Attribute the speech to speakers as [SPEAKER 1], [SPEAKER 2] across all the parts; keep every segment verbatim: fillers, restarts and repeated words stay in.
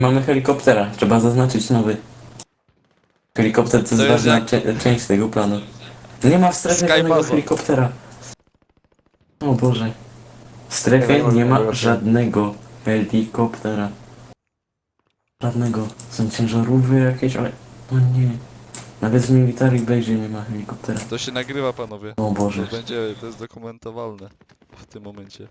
[SPEAKER 1] Mamy helikoptera, trzeba zaznaczyć nowy. Helikopter to jest
[SPEAKER 2] To jest
[SPEAKER 1] ważna
[SPEAKER 2] jak-
[SPEAKER 1] cze- część tego planu. Nie ma w strefie
[SPEAKER 2] Sky
[SPEAKER 1] żadnego
[SPEAKER 2] Baza.
[SPEAKER 1] helikoptera. O Boże. W strefie
[SPEAKER 3] Nie ma
[SPEAKER 1] nie ma
[SPEAKER 3] żadnego.
[SPEAKER 1] żadnego helikoptera. Żadnego. Są ciężarówki jakieś, ale... O nie. Nawet w Military Base nie ma helikoptera.
[SPEAKER 2] To się nagrywa, panowie.
[SPEAKER 1] O Boże.
[SPEAKER 2] To będzie, to jest dokumentowalne w tym momencie.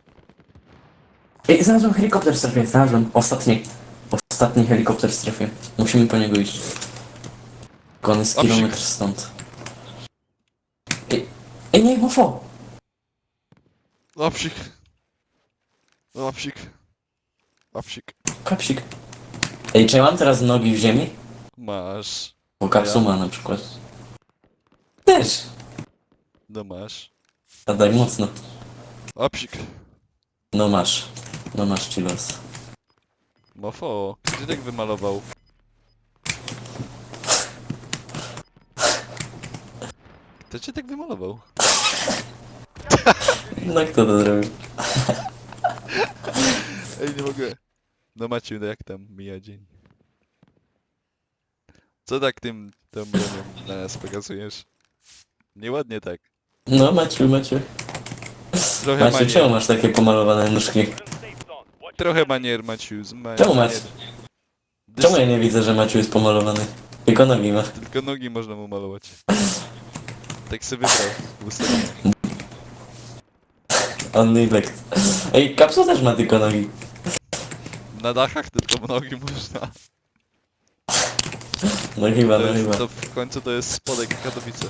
[SPEAKER 1] Ej, znalazłem helikopter w strefie, znalazłem. Ostatni. Ostatni helikopter w strefie. Musimy po niego iść. Tylko on jest
[SPEAKER 2] O,
[SPEAKER 1] kilometr stąd. Ej, ej nie, mofo!
[SPEAKER 2] Lapsik. Lapsik. Lapsik.
[SPEAKER 1] Kapsik. Ej, czy ja mam teraz nogi w ziemi?
[SPEAKER 2] Masz.
[SPEAKER 1] Bo kapsuma na przykład. Też.
[SPEAKER 2] No masz.
[SPEAKER 1] A daj mocno.
[SPEAKER 2] Lapsik.
[SPEAKER 1] No masz. No masz ci los.
[SPEAKER 2] Mofo. Gdzie tak wymalował? Kto cię tak wymalował?
[SPEAKER 1] No kto to zrobił?
[SPEAKER 2] Ej, nie mogę. No Maciu, no jak tam mija dzień? Co tak tym, tą bronią na nas pokazujesz? Nieładnie tak.
[SPEAKER 1] No Maciu, Maciu.
[SPEAKER 2] Trochę
[SPEAKER 1] Maciu, czemu
[SPEAKER 2] manier.
[SPEAKER 1] masz takie pomalowane nóżki?
[SPEAKER 2] Trochę manier, Maciu. Z ma
[SPEAKER 1] Czemu masz?
[SPEAKER 2] manier.
[SPEAKER 1] Czemu ja nie widzę, że Maciu jest pomalowany? Tylko nogi ma.
[SPEAKER 2] Tylko nogi można mu malować. Tak sobie wybrał w ustawieniach.
[SPEAKER 1] On neglect. Ej, kapsuł też ma tylko nogi.
[SPEAKER 2] Na dachach tylko nogi można.
[SPEAKER 1] No chyba,
[SPEAKER 2] To,
[SPEAKER 1] no
[SPEAKER 2] jest,
[SPEAKER 1] chyba.
[SPEAKER 2] to w końcu to jest spodek Katowice.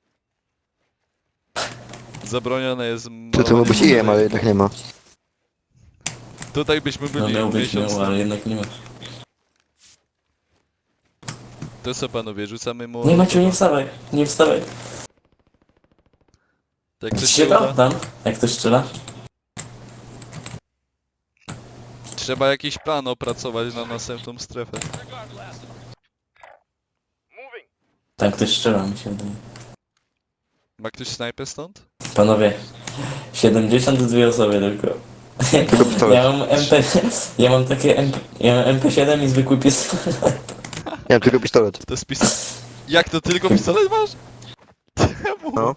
[SPEAKER 2] Zabronione jest
[SPEAKER 3] To to
[SPEAKER 2] malowanie
[SPEAKER 3] mógł być I M,
[SPEAKER 2] tutaj.
[SPEAKER 3] ale jednak nie ma.
[SPEAKER 2] Tutaj byśmy
[SPEAKER 1] No
[SPEAKER 2] byli
[SPEAKER 1] miał być,
[SPEAKER 2] miesiąc
[SPEAKER 1] miał,
[SPEAKER 2] temu.
[SPEAKER 1] ale jednak nie ma.
[SPEAKER 2] To co panowie, rzucamy mu...
[SPEAKER 1] Nie Maciu, nie wstawaj, nie wstawaj.
[SPEAKER 2] Tak ktoś się
[SPEAKER 1] Strzela
[SPEAKER 2] uda,
[SPEAKER 1] tam? Jak ktoś strzela?
[SPEAKER 2] trzeba jakiś plan opracować na następną strefę.
[SPEAKER 1] Tam ktoś strzela, mi się wydaje.
[SPEAKER 2] Ma ktoś snajpę stąd?
[SPEAKER 1] Panowie, siedemdziesiąt dwie osoby tylko.
[SPEAKER 3] Tylko pistolet.
[SPEAKER 1] Ja mam M P... Ja mam takie M P... Ja mam M P siedem i zwykły pistolet.
[SPEAKER 3] Nie mam tylko pistolet.
[SPEAKER 2] To jest pistolet. Jak to tylko pistolet masz? Czemu?
[SPEAKER 3] No.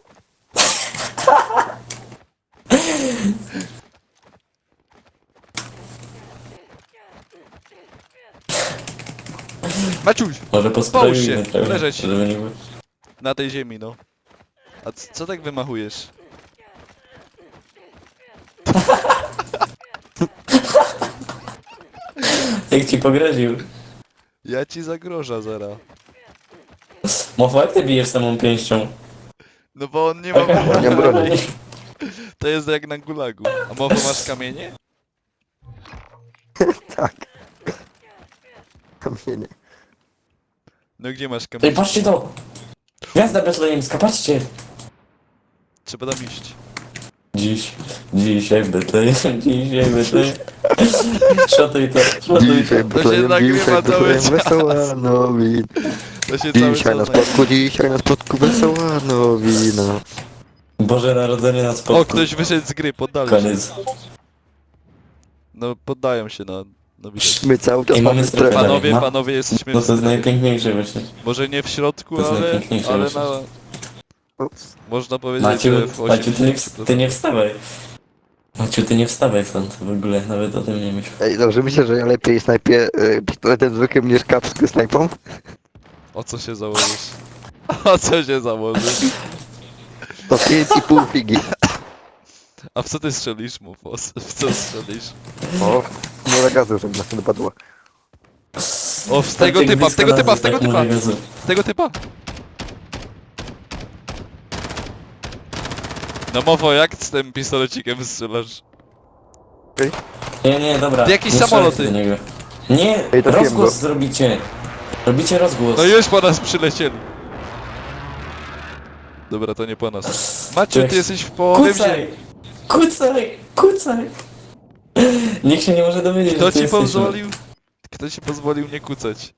[SPEAKER 2] Maciuś!
[SPEAKER 1] Może
[SPEAKER 2] Połóż się,
[SPEAKER 1] posprojujmy trochę,
[SPEAKER 2] leżeć.
[SPEAKER 1] żeby nie było.
[SPEAKER 2] Na tej ziemi, no. A c- co tak wymachujesz?
[SPEAKER 1] Jak ci pogroził.
[SPEAKER 2] Ja ci zagroża zara.
[SPEAKER 1] Mofo, jak ty bijesz samą pięścią?
[SPEAKER 2] No bo on nie ma...
[SPEAKER 3] Nie mam broni.
[SPEAKER 2] To jest jak na gulagu. A mowa masz kamienie?
[SPEAKER 3] Tak. Kamienie.
[SPEAKER 2] No gdzie masz
[SPEAKER 1] Ej,
[SPEAKER 2] kamienie?
[SPEAKER 1] patrzcie to! Gwiazda betlejemska, patrzcie!
[SPEAKER 2] Trzeba tam iść.
[SPEAKER 1] Dziś, dzisiaj w Betlejem, dzisiaj w Betlejem. Szotuj to, szotuj to.
[SPEAKER 3] Dzisiaj
[SPEAKER 2] nagrywa
[SPEAKER 3] Betlejem, dzisiaj
[SPEAKER 2] cały
[SPEAKER 3] Betlejem,
[SPEAKER 2] czas.
[SPEAKER 3] wesoła nowina.
[SPEAKER 2] To się cały
[SPEAKER 3] Dzisiaj na
[SPEAKER 2] czas nagrywa.
[SPEAKER 3] spotku, dzisiaj na spotku wesoła nowina.
[SPEAKER 1] Boże Narodzenie na spotku.
[SPEAKER 2] O, ktoś wyszedł z gry, poddali się.
[SPEAKER 1] Koniec.
[SPEAKER 2] No, poddają się, no. No widać.
[SPEAKER 3] My cały czas
[SPEAKER 1] I mamy
[SPEAKER 3] mamy
[SPEAKER 1] strefę.
[SPEAKER 3] strefę.
[SPEAKER 2] Panowie,
[SPEAKER 1] Ma-
[SPEAKER 2] panowie, jesteśmy
[SPEAKER 1] No
[SPEAKER 2] w
[SPEAKER 1] to jest
[SPEAKER 2] strefie.
[SPEAKER 1] najpiękniejsze właśnie.
[SPEAKER 2] Może nie w środku,
[SPEAKER 1] To jest
[SPEAKER 2] ale,
[SPEAKER 1] najpiękniejsze
[SPEAKER 2] ale
[SPEAKER 1] właśnie.
[SPEAKER 2] na...
[SPEAKER 3] Ups.
[SPEAKER 2] Można powiedzieć,
[SPEAKER 1] Maciu,
[SPEAKER 2] że w
[SPEAKER 1] Maciu, ty nie,
[SPEAKER 2] osiemdziesięciu
[SPEAKER 1] w-
[SPEAKER 2] procent.
[SPEAKER 1] ty nie wstawaj. Maciu, ty nie wstawaj stąd w ogóle, nawet o tym nie myśl.
[SPEAKER 3] Ej, dobrze, myślę, że ja lepiej snajpię y, pistoletem zwykłym niż kapską snajpą.
[SPEAKER 2] O co się założysz? O co się założysz?
[SPEAKER 3] To pięć i pół figi.
[SPEAKER 2] A w co ty strzelisz, mów? O, w co strzelisz?
[SPEAKER 3] O, może gazu, żeby nas nie dopadło.
[SPEAKER 2] O, w tego typa, w tego typa, w tego typa!
[SPEAKER 1] typa.
[SPEAKER 2] Z tego typa! No mowo, jak z tym pistolecikiem strzelasz?
[SPEAKER 1] Nie, nie, dobra.
[SPEAKER 2] Jakieś
[SPEAKER 1] nie
[SPEAKER 2] samoloty.
[SPEAKER 1] strzelajcie do niego. Nie,
[SPEAKER 3] Ej, trafiłem
[SPEAKER 1] rozgłos
[SPEAKER 3] go.
[SPEAKER 1] zrobicie. Robicie rozgłos.
[SPEAKER 2] No już po nas przylecieli. Dobra, to nie po nas. Maciu, ty jesteś w połowie
[SPEAKER 1] Kucaj!
[SPEAKER 2] ziemi.
[SPEAKER 1] Kucaj! Kucaj! Nikt się nie może dowiedzieć,
[SPEAKER 2] Kto
[SPEAKER 1] że tu
[SPEAKER 2] ci
[SPEAKER 1] jesteśmy.
[SPEAKER 2] pozwolił? Kto ci pozwolił nie kucać?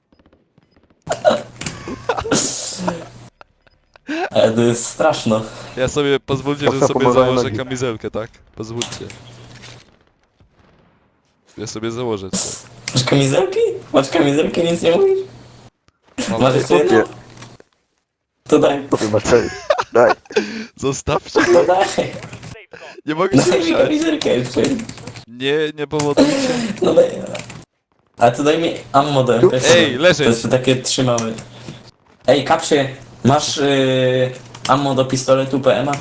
[SPEAKER 1] Ale to jest straszno.
[SPEAKER 2] Ja sobie, pozwólcie, że
[SPEAKER 3] Mocno
[SPEAKER 2] sobie
[SPEAKER 3] pomagałem
[SPEAKER 2] założę
[SPEAKER 3] nogi.
[SPEAKER 2] kamizelkę, tak? Pozwólcie. Ja sobie założę to.
[SPEAKER 1] Masz kamizelki? Masz kamizelki, nic nie mówisz?
[SPEAKER 2] Mam...
[SPEAKER 1] Masz jeszcze jedną?
[SPEAKER 3] Chłopie,
[SPEAKER 1] To daj,
[SPEAKER 3] chłopie, masz cztery. Daj.
[SPEAKER 2] Zostawcie,
[SPEAKER 1] to daj.
[SPEAKER 2] nie mogę się
[SPEAKER 1] Daj mi
[SPEAKER 2] ruszać.
[SPEAKER 1] kamizelkę jeszcze.
[SPEAKER 2] Nie, nie powodujcie.
[SPEAKER 1] No daj. A to daj mi ammo do M P C.
[SPEAKER 2] Ej, leżeć.
[SPEAKER 1] To jest takie trzymały. Ej, kapsie, masz yy, ammo do pistoletu P M A?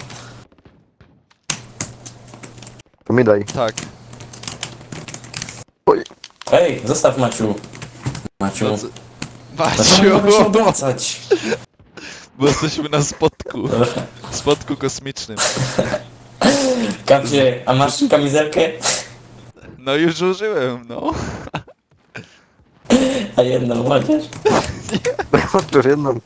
[SPEAKER 3] To mi daj.
[SPEAKER 2] Tak.
[SPEAKER 3] Oj,
[SPEAKER 1] Ej, zostaw Maciu. Maciu.
[SPEAKER 2] No co...
[SPEAKER 1] Dlaczego mamy się
[SPEAKER 2] Maciu!
[SPEAKER 1] obracać?
[SPEAKER 2] Bo jesteśmy na spotku.
[SPEAKER 1] Dobra.
[SPEAKER 2] Spotku kosmicznym.
[SPEAKER 1] Kapsie, a masz kamizelkę?
[SPEAKER 2] No już użyłem, no.
[SPEAKER 1] A jedną chociaż?
[SPEAKER 3] mam już jedną.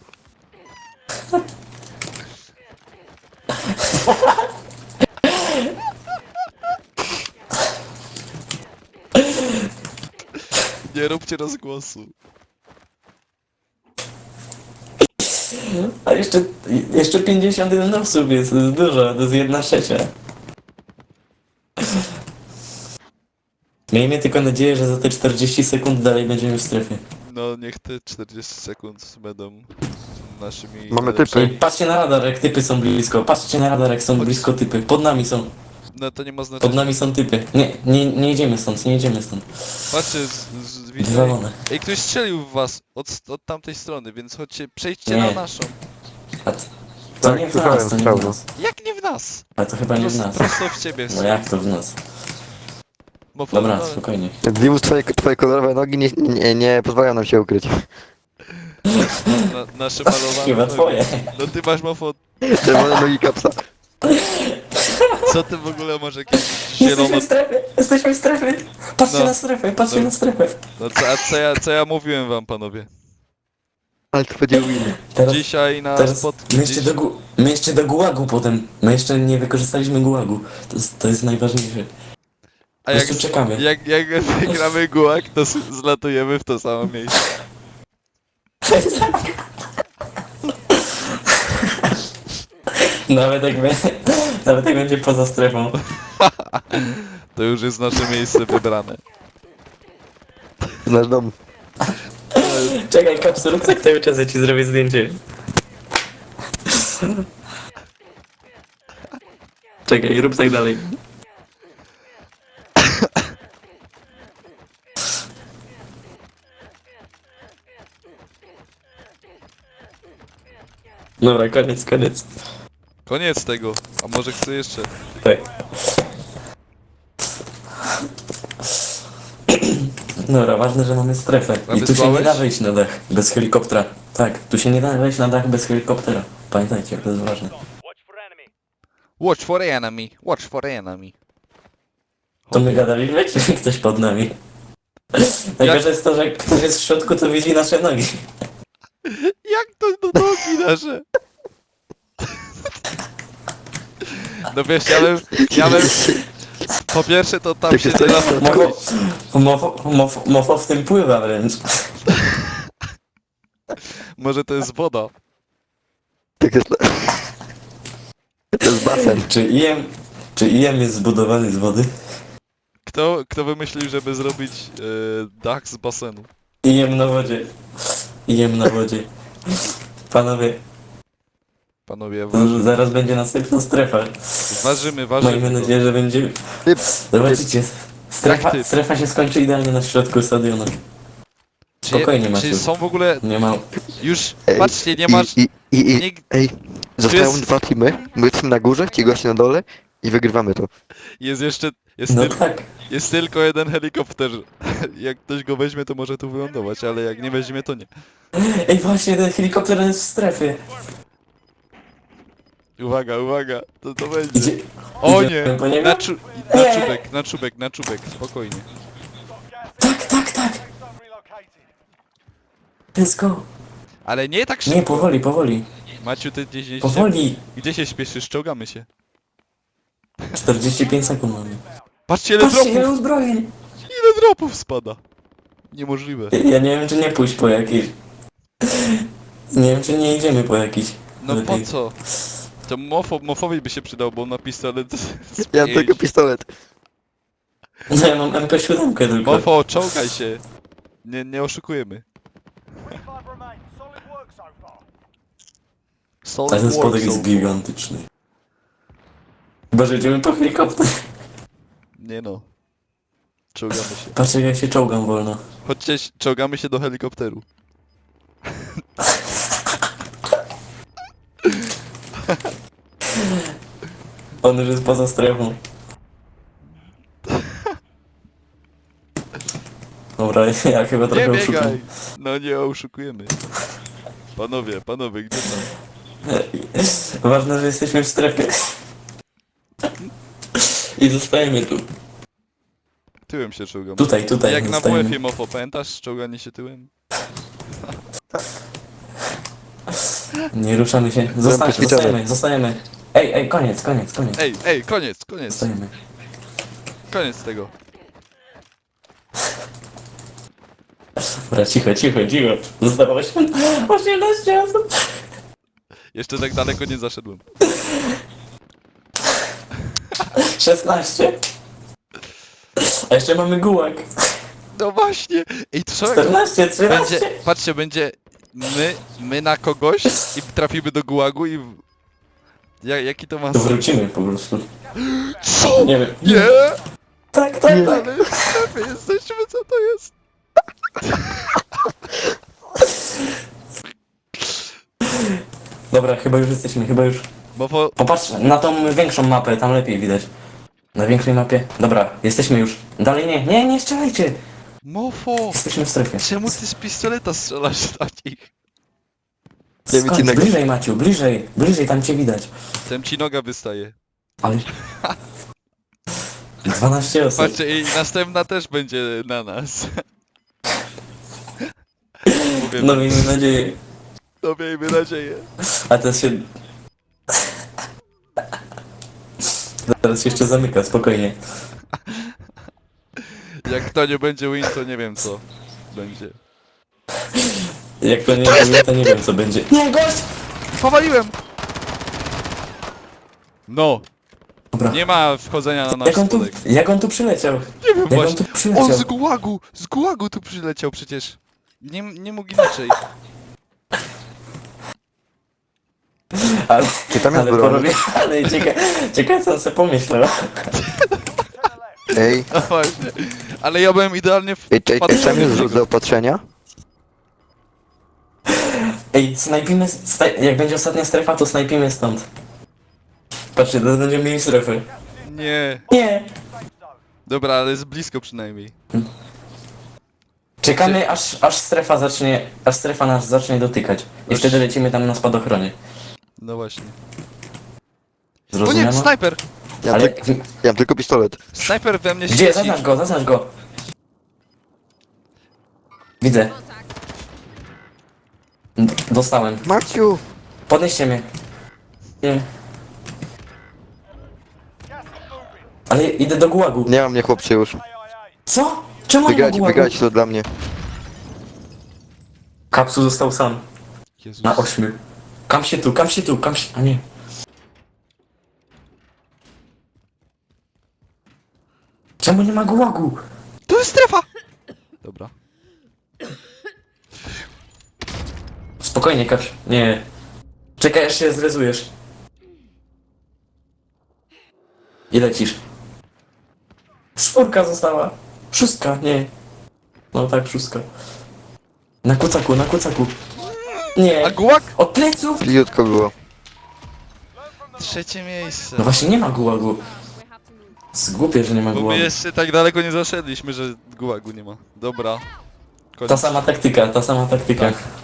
[SPEAKER 2] Nie róbcie rozgłosu.
[SPEAKER 1] A jeszcze, jeszcze pięćdziesiąt jeden osób jest, to jest dużo, to jest jedna trzecia. Miejmy tylko nadzieję, że za te czterdzieści sekund dalej będziemy w strefie.
[SPEAKER 2] No niech te czterdzieści sekund będą naszymi...
[SPEAKER 3] Mamy
[SPEAKER 2] najlepszymi-
[SPEAKER 3] typy.
[SPEAKER 1] Patrzcie na radar, jak typy są blisko. Patrzcie na radar, jak są
[SPEAKER 2] Chodź.
[SPEAKER 1] blisko typy. Pod nami są,
[SPEAKER 2] No to nie ma
[SPEAKER 1] pod
[SPEAKER 2] znaczenia.
[SPEAKER 1] nami są typy. Nie, nie, nie idziemy stąd, nie idziemy stąd.
[SPEAKER 2] Patrzcie, z, z, widzę.
[SPEAKER 1] Wywalone.
[SPEAKER 2] Ej, ktoś strzelił w was od, od tamtej strony, więc chodźcie, przejdźcie
[SPEAKER 1] Nie.
[SPEAKER 2] na naszą.
[SPEAKER 1] A to, to
[SPEAKER 3] Tak,
[SPEAKER 1] nie w
[SPEAKER 3] słyszałem,
[SPEAKER 1] nas, to nie w
[SPEAKER 3] słyszałem.
[SPEAKER 1] nas.
[SPEAKER 2] Jak nie w nas?
[SPEAKER 1] Ale to chyba nie w
[SPEAKER 2] Prosto,
[SPEAKER 1] nas.
[SPEAKER 2] prosto w ciebie.
[SPEAKER 1] No jak to w nas?
[SPEAKER 2] Bo po-
[SPEAKER 1] Dobra,
[SPEAKER 2] no,
[SPEAKER 1] spokojnie.
[SPEAKER 3] Dimus, twoje, twoje kolorowe nogi nie, nie, nie pozwalają nam się ukryć.
[SPEAKER 2] na, nasze malowane
[SPEAKER 1] Chyba
[SPEAKER 2] nogi.
[SPEAKER 1] twoje.
[SPEAKER 2] No ty masz mofo...
[SPEAKER 3] Czerwone nogi kapsa.
[SPEAKER 2] Co ty w ogóle masz jakieś
[SPEAKER 1] Jesteśmy
[SPEAKER 2] zielono...
[SPEAKER 1] w strefie, jesteśmy w strefie. Patrzcie
[SPEAKER 2] No.
[SPEAKER 1] na strefę, patrzcie
[SPEAKER 2] No.
[SPEAKER 1] na strefę.
[SPEAKER 2] No co, a co ja, co ja mówiłem wam, panowie?
[SPEAKER 3] Ale to będzie win.
[SPEAKER 1] Teraz,
[SPEAKER 2] Dzisiaj na
[SPEAKER 1] teraz
[SPEAKER 2] spot...
[SPEAKER 1] my, jeszcze
[SPEAKER 2] Dziś...
[SPEAKER 1] do, gu- my jeszcze do gułagu potem. My jeszcze nie wykorzystaliśmy gułagu. To jest, to jest najważniejsze.
[SPEAKER 2] A
[SPEAKER 1] Po
[SPEAKER 2] jak,
[SPEAKER 1] prostu czekamy.
[SPEAKER 2] jak, jak wygramy gułak, to s- zlatujemy w to samo miejsce.
[SPEAKER 1] Nawet jak, będzie, nawet jak będzie poza strefą.
[SPEAKER 2] To już jest nasze miejsce wybrane.
[SPEAKER 3] Znasz dom.
[SPEAKER 1] Czekaj, kapsuluk, tak cały czas ja ci zrobię zdjęcie. Czekaj, rób tak dalej. Dobra, koniec, koniec.
[SPEAKER 2] Koniec tego. A może chcę jeszcze?
[SPEAKER 1] Tak. Dobra, ważne, że mamy strefę.
[SPEAKER 2] A
[SPEAKER 1] I tu się
[SPEAKER 2] wysłałeś?
[SPEAKER 1] nie da wejść na dach bez helikoptera. Tak, tu się nie da wejść na dach bez helikoptera. Pamiętajcie, to jest ważne.
[SPEAKER 2] Watch for enemy. Watch for enemy.
[SPEAKER 1] To my gadaliśmy, czy ktoś pod nami? Najgorsze jest to, że ktoś jest w środku, to widzi nasze nogi.
[SPEAKER 2] Jak to do nogi nasze? No wiesz, ja bym... Ja bym... Po pierwsze to tam
[SPEAKER 3] Jak
[SPEAKER 2] się
[SPEAKER 3] jest
[SPEAKER 2] nie da
[SPEAKER 3] to-
[SPEAKER 2] wchodzić.
[SPEAKER 1] Mofo, mofo, mofo w tym pływa wręcz.
[SPEAKER 2] Może to jest woda.
[SPEAKER 3] Tak jest. To jest basen.
[SPEAKER 1] Czy I M, czy I M jest zbudowany z wody?
[SPEAKER 2] Kto, kto wymyślił, żeby zrobić e, dach z basenu?
[SPEAKER 1] I M na wodzie. I M na wodzie. Panowie,
[SPEAKER 2] Panowie, waży,
[SPEAKER 1] zaraz będzie następna strefa.
[SPEAKER 2] ważymy,
[SPEAKER 1] Miejmy
[SPEAKER 2] ważymy. to.
[SPEAKER 1] nadzieję, że będzie...
[SPEAKER 3] Typ.
[SPEAKER 1] Zobaczycie,
[SPEAKER 2] Jak
[SPEAKER 1] strefa,
[SPEAKER 2] typ?
[SPEAKER 1] strefa się skończy idealnie na środku stadionu.
[SPEAKER 2] Czy,
[SPEAKER 1] Spokojnie,
[SPEAKER 2] czy
[SPEAKER 1] Maciu.
[SPEAKER 2] są w ogóle...
[SPEAKER 1] Nie ma...
[SPEAKER 2] Już,
[SPEAKER 3] Ej,
[SPEAKER 2] patrzcie, nie masz...
[SPEAKER 3] I, i, i, i,
[SPEAKER 2] Nie,
[SPEAKER 3] ej, zostają
[SPEAKER 2] jest-
[SPEAKER 3] dwa teamy, my jesteśmy na górze, ci goście na dole i wygrywamy to.
[SPEAKER 2] jest jeszcze... Jest,
[SPEAKER 1] No
[SPEAKER 2] tyl,
[SPEAKER 1] tak.
[SPEAKER 2] jest tylko jeden helikopter. Jak ktoś go weźmie, to może tu wylądować, ale jak nie weźmie, to nie.
[SPEAKER 1] Ej, właśnie, ten helikopter jest w strefie.
[SPEAKER 2] Uwaga, uwaga, to to będzie.
[SPEAKER 1] Idzie...
[SPEAKER 2] O
[SPEAKER 1] idziemy
[SPEAKER 2] nie!
[SPEAKER 1] po niego?
[SPEAKER 2] Na, czu, na czubek, na czubek, na czubek, spokojnie.
[SPEAKER 1] Tak, tak, tak. Let's go.
[SPEAKER 2] Ale nie tak
[SPEAKER 1] Nie,
[SPEAKER 2] szybko.
[SPEAKER 1] powoli, powoli.
[SPEAKER 2] Maciu, ty gdzieś się...
[SPEAKER 1] Powoli.
[SPEAKER 2] Gdzie się śpieszysz? Czołgamy się.
[SPEAKER 1] czterdzieści pięć sekund mamy.
[SPEAKER 2] Patrzcie, ile
[SPEAKER 1] Patrzcie,
[SPEAKER 2] dropów!
[SPEAKER 1] ile uzbrojeń.
[SPEAKER 2] Ile dropów spada! Niemożliwe.
[SPEAKER 1] Ja nie wiem, czy nie pójść po jakiś. Nie wiem, czy nie idziemy po jakiś.
[SPEAKER 2] No po
[SPEAKER 1] Lepiej.
[SPEAKER 2] co? To mofo, mofowi by się przydał, bo on ma pistolet z
[SPEAKER 3] Ja mam
[SPEAKER 2] pięć.
[SPEAKER 3] tylko pistolet.
[SPEAKER 1] No ja mam M P siedem tylko.
[SPEAKER 2] Mofo, czołgaj się. Nie, nie oszukujemy. Solid
[SPEAKER 1] Ale ten
[SPEAKER 2] work,
[SPEAKER 1] spodek jest
[SPEAKER 2] so-
[SPEAKER 1] gigantyczny. Chyba, że idziemy po helikopter.
[SPEAKER 2] Nie no. Czołgamy się.
[SPEAKER 1] Patrzcie jak się czołgam wolno.
[SPEAKER 2] Chodźcie, czołgamy się do helikopteru.
[SPEAKER 1] On już jest poza strefą. Dobra, ja chyba
[SPEAKER 2] Nie
[SPEAKER 1] trochę oszukam.
[SPEAKER 2] biegaj! No nie oszukujemy. Panowie, panowie, gdzie tam?
[SPEAKER 1] Ważne, że jesteśmy w strefie. I zostajemy tu.
[SPEAKER 2] Tyłem się czołgamy.
[SPEAKER 1] Tutaj, tutaj
[SPEAKER 2] Jak na
[SPEAKER 1] zostajemy.
[SPEAKER 2] W F-ie Mofo, pamiętasz czołganie się tyłem?
[SPEAKER 1] Nie ruszamy się. Zostań,
[SPEAKER 3] ćwiczony.
[SPEAKER 1] zostajemy, zostajemy. Ej, ej, koniec, koniec, koniec.
[SPEAKER 2] Ej, ej, koniec, koniec,
[SPEAKER 1] Zostajemy.
[SPEAKER 2] koniec tego.
[SPEAKER 1] Dobra, cicho, cicho, cicho. Zostało osiemnaście osób.
[SPEAKER 2] Jeszcze tak daleko nie zaszedłem.
[SPEAKER 1] szesnaście. A jeszcze mamy gułak.
[SPEAKER 2] No właśnie! Ej, to co jak
[SPEAKER 1] czternaście, trzynaście.
[SPEAKER 2] będzie, patrzcie, będzie my, my na kogoś i trafimy do gułagu i... w- Ja, jaki to ma
[SPEAKER 1] To
[SPEAKER 2] sens?
[SPEAKER 1] wrócimy po prostu.
[SPEAKER 2] Co?
[SPEAKER 1] Nie wiem.
[SPEAKER 2] Nie!
[SPEAKER 1] Tak, tak, tak.
[SPEAKER 2] Ale w strefie jesteśmy, co to jest?
[SPEAKER 1] Dobra, chyba już jesteśmy, chyba już.
[SPEAKER 2] Mofo,
[SPEAKER 1] Popatrz na tą większą mapę, tam lepiej widać. Na większej mapie. Dobra, jesteśmy już. Dalej nie, nie, nie strzelajcie.
[SPEAKER 2] Mofo!
[SPEAKER 1] Jesteśmy w strefie.
[SPEAKER 2] Czemu ty z pistoleta strzelasz na nich?
[SPEAKER 3] Nie wiem,
[SPEAKER 1] Skąd?
[SPEAKER 3] ci nagle-
[SPEAKER 1] Bliżej Maciu, bliżej, bliżej, tam cię widać.
[SPEAKER 2] Tem ci noga wystaje.
[SPEAKER 1] Ale... dwanaście osób.
[SPEAKER 2] Patrzcie, i następna też będzie na nas. Mówię,
[SPEAKER 1] No miejmy nadzieję.
[SPEAKER 2] no miejmy nadzieję.
[SPEAKER 1] A teraz się... Teraz się jeszcze zamyka, spokojnie.
[SPEAKER 2] Jak to nie będzie win, to nie wiem co będzie.
[SPEAKER 1] Jak to nie wiem, to nie wiem co będzie. Nie, gość!
[SPEAKER 2] Powaliłem! No,
[SPEAKER 1] Dobra.
[SPEAKER 2] nie ma wchodzenia na nasz
[SPEAKER 1] Jak on, tu,
[SPEAKER 2] spodek.
[SPEAKER 1] jak on tu przyleciał?
[SPEAKER 2] Nie wiem
[SPEAKER 1] Jak on
[SPEAKER 2] właśnie.
[SPEAKER 1] tu
[SPEAKER 2] On
[SPEAKER 1] przyleciał?
[SPEAKER 2] z gułagu, z gułagu tu przyleciał przecież. Nie, nie mógł inaczej.
[SPEAKER 1] Ale,
[SPEAKER 3] Czy tam jest
[SPEAKER 1] ale
[SPEAKER 3] broń?
[SPEAKER 1] porobię, ale ciekawe, ciekawe co on sobie pomyślał.
[SPEAKER 3] Ej,
[SPEAKER 2] No właśnie. Ale ja byłem idealnie w...
[SPEAKER 3] ej, ej, ej,
[SPEAKER 2] patrzony
[SPEAKER 3] tam jest
[SPEAKER 2] w
[SPEAKER 3] rzut
[SPEAKER 2] niego.
[SPEAKER 3] zaopatrzenia?
[SPEAKER 1] Ej, snajpimy, sta jak będzie ostatnia strefa, to snajpimy stąd. Patrzcie, to będziemy mieli strefę.
[SPEAKER 2] Nie.
[SPEAKER 1] Nie!
[SPEAKER 2] Dobra, ale jest blisko przynajmniej.
[SPEAKER 1] Czekamy aż, aż strefa zacznie, aż strefa nas zacznie dotykać. I
[SPEAKER 2] Aż-
[SPEAKER 1] wtedy lecimy tam na spadochronie.
[SPEAKER 2] No właśnie. O nie,
[SPEAKER 1] Zrozumiano?
[SPEAKER 2] snajper!
[SPEAKER 3] Ja mam,
[SPEAKER 1] Ale
[SPEAKER 3] tyk- ja mam tylko pistolet.
[SPEAKER 2] Snajper we mnie
[SPEAKER 1] gdzie?
[SPEAKER 2] świeci.
[SPEAKER 1] Zaznacz go, zaznacz go! Widzę. D- Dostałem.
[SPEAKER 3] Maciu!
[SPEAKER 1] Podnieście mnie. Nie. Ale idę do gułagu.
[SPEAKER 3] Nie mam mnie chłopcy już.
[SPEAKER 1] Co? Czemu nie ma
[SPEAKER 3] Wygrać,
[SPEAKER 1] gułagu?
[SPEAKER 3] wygrać to dla mnie.
[SPEAKER 1] Kapsu został sam.
[SPEAKER 2] Jezus.
[SPEAKER 1] Na ośmiu. Kam się tu, kam się tu, kam się... A nie. Czemu nie ma gułagu?
[SPEAKER 2] To jest strefa! Dobra.
[SPEAKER 1] Spokojnie, Kapsz. Nie. Czekaj, aż się zrezujesz. I lecisz. Czwórka została. Szóstka, nie. No tak, szóstka. Na kucaku, na kucaku. Nie.
[SPEAKER 2] A gułak?
[SPEAKER 1] Od pleców!
[SPEAKER 3] Bliziutko było.
[SPEAKER 2] Trzecie miejsce.
[SPEAKER 1] No właśnie nie ma gułagu. Zgłupię, że nie ma
[SPEAKER 2] Bo my
[SPEAKER 1] gułagu.
[SPEAKER 2] jeszcze tak daleko nie zaszedliśmy, że gułagu nie ma. Dobra. Koniec.
[SPEAKER 1] Ta sama taktyka, ta sama taktyka.
[SPEAKER 2] Tak.